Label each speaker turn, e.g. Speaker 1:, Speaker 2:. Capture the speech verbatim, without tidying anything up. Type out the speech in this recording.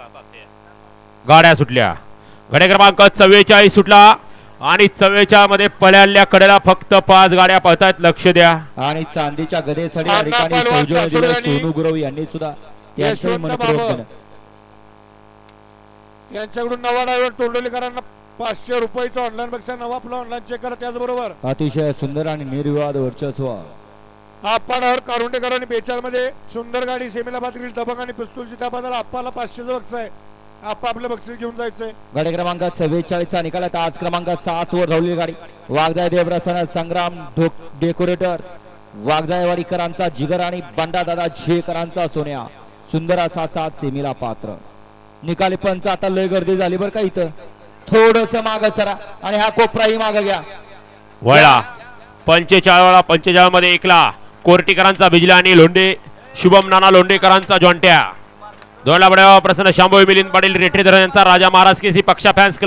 Speaker 1: गाड्या सुटल्या. गडे क्रमांक चव्वेचाळीस सुटला आणि चव्वेचाळीस मध्ये पल्याल्या कडेला फक्त पाच गाड्या पळतायत. लक्ष द्या.
Speaker 2: आणि चांदीच्या गदेसाठी या ठिकाणी सौजन्य दिलं सोनू गुरव यांनी सुद्धा त्यांचं मनपूर्वक केलं.
Speaker 3: यांच्याकडून नवा ड्रायव्हर तोंडोलीकरांना पाचशे रुपयाचा ऑनलाईन पेक्षा नवा आपला ऑनलाईन चेक करा. त्याचबरोबर
Speaker 2: अतिशय सुंदर आणि निर्विवाद वर्चस्व
Speaker 3: आपण हर कारुंडेकरांनी बेचाळ मध्ये सुंदर गाडी सेमीला बाद केली. दबंग आणि पिस्तूलची त्या बद्दल आपल्याला पाचशेचं बक्षीस आहे. आपा आपलं बक्षीस घेऊन जायचंय.
Speaker 2: गाडी क्रमांक चव्वेचाळीस चा निकालात आज क्रमांक सात वर धावलेली गाडी वाघजाय देवप्रसन्न संग्राम डेकोरेटर्स वाघजायवाडीकरांचा जिगर आणि बंडादादा झेकरांचा सोन्या. सुंदर असा सात सेमीला पात्र. निकाली पंच आता लय गर्दी झाली बरं का. इथं थोडस माग सरा आणि हा कोपराही माग घ्या.
Speaker 1: वळला पंचेचाळीस वाला पंचेचाळीस मध्ये एकला कोर्टीकरांचा बिजला आणि लोंढे शुभम नाना लोंढेकरांचा जॉन्ट्या. दोनला बड्या प्रसन्न शांभवी मिलिंद पाटील रेठेधर यांचा राजा महाराज केसी पक्षा फॅन्स